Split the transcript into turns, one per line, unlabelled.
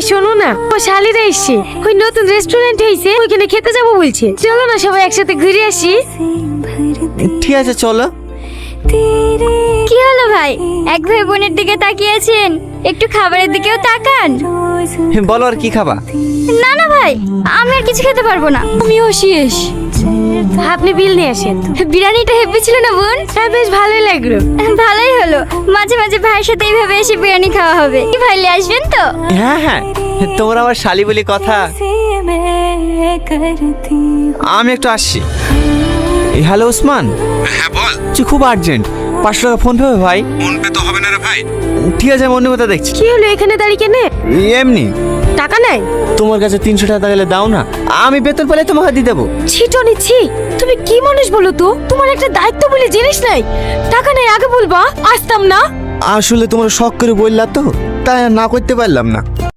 শোনো না, ও শালিরা এসছে, ওই নতুন রেস্টুরেন্ট হয়েছে, ওইখানে খেতে যাবো বলছে। চলো না সবাই একসাথে ঘুরে আসি।
ঠিক আছে চলো।
কি হলো ভাই, এক ভাই বোনের দিকে তাকিয়েছেন, একটু খাবারের দিকেও তাকান।
বলো আর কি খাবা?
না না ভাই, আমি আর কিছু খেতে পারবো না। আমিও শেষ।
আপনি বিল নিয়ে আসেন।
বিরিয়ানিটা হেভি ছিল না বোন?
হ্যাঁ, বেশ ভালোই লাগলো।
ভালোই হলো, মাঝে মাঝে ভাইয়ের সাথে এইভাবে এসে বিরিয়ানি খাওয়া হবে। কি ভাই আসবেন তো?
হ্যাঁ হ্যাঁ, তোমার আমার শালি বলি কথা। আমি একটু আসছি। হ্যালো ওসমান।
হ্যাঁ বল।
তুই খুব আর্জেন্ট, 500 টাকা ফোন পে ভাই।
ফোন পে তো হবে না রে ভাই।
ঠিক আছে, আমি অন্য কথা দেখছি।
কি হলো এখানে দাঁড়িয়ে কেনে?
এমনি।
টাকা নাই?
তোমার কাছে 300 টাকা গেলে দাও না, আমি বেতন পেলে তোমাকে দিয়ে দেবো।
ছিটো নিচ্ছি, তুমি কি মানুষ বলো তো? তোমার একটা দায়িত্ব বলে জিনিস নাই। টাকা নাই আগে বলবা, আসতাম না।
আসলে তোমার শখ করে বললা তো, তাই আর না করতে পারলাম না।